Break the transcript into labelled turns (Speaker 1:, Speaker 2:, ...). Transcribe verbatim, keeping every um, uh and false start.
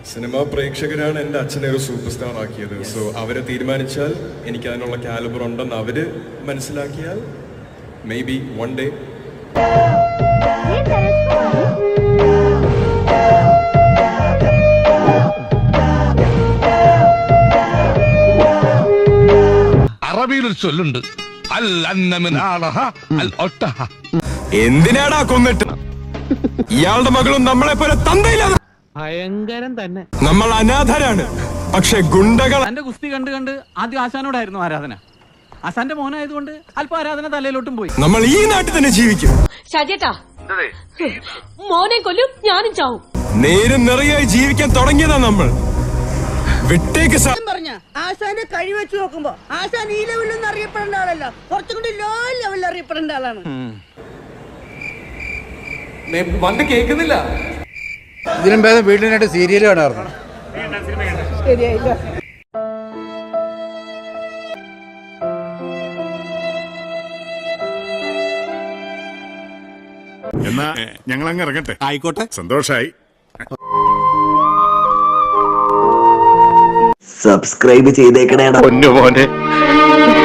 Speaker 1: Cinema പ്രേക്ഷകരാണ് എൻ്റെ അച്ഛനെ ഒരു സൂപ്പർ സ്റ്റാർ ആക്കിയത്. സോ അവരെ തീരുമാനിച്ചാൽ എനിക്ക് അതിനുള്ള കാലിബർ ഉണ്ടെന്ന് അവര് മനസ്സിലാക്കിയാൽ മേ ബി വൺ ഡേ.
Speaker 2: അറബിയിലൊരു ചൊല്ലുണ്ട്, അൽ അന്നമിൻ ആളഹ അൽ ഒട്ടഹ.
Speaker 1: എന്തിനാടാ കൊന്നിട്ട്? ഇയാളുടെ മകളും നമ്മളെ പോലെ തന്തയില്ലാതെ.
Speaker 3: ഭയങ്കരം തന്നെ.
Speaker 1: നമ്മൾ അനാഥരാണ്, പക്ഷെ ഗുണ്ടകൾ.
Speaker 3: എന്റെ കുസ്തി കണ്ട് കണ്ട് ആദ്യം ആശാനോടായിരുന്നു ആരാധന. ആശാന്റെ മോനായതുകൊണ്ട് അല്പം ആരാധന തലയിലോട്ടും പോയി.
Speaker 1: നമ്മൾ ഈ നാട്ടിൽ തന്നെ ജീവിക്കും.
Speaker 4: ഷാജേട്ടാ, മോനെ കൊല്ലും, ഞാനും ചാവും.
Speaker 1: നേരും നിറയായി ജീവിക്കാൻ തുടങ്ങിയതാ നമ്മൾ. വിട്ടേക്ക്
Speaker 5: പറഞ്ഞ ആശാന്റെ കഴി വെച്ച് നോക്കുമ്പോ ആശാൻ ഈ ലെവലിൽ അറിയപ്പെടേണ്ട ആളല്ല, കുറച്ചും കൂടി ലോ ലെവലിൽ അറിയപ്പെടേണ്ട ആളാണ്.
Speaker 3: വന്ന് കേൾക്കുന്നില്ല.
Speaker 6: ഇതിനും ഭേദം വീട്ടിനായിട്ട് സീരിയൽ കാണാറുണ്ട്.
Speaker 5: ശരിയായില്ല.
Speaker 7: എന്നാ ഞങ്ങൾ അങ്ങ് ഇറങ്ങട്ടെ.
Speaker 8: ആയിക്കോട്ടെ,
Speaker 7: സന്തോഷായി.
Speaker 9: സബ്സ്ക്രൈബ് ചെയ്തേക്കണേടാ
Speaker 7: പൊന്നു മോനെ.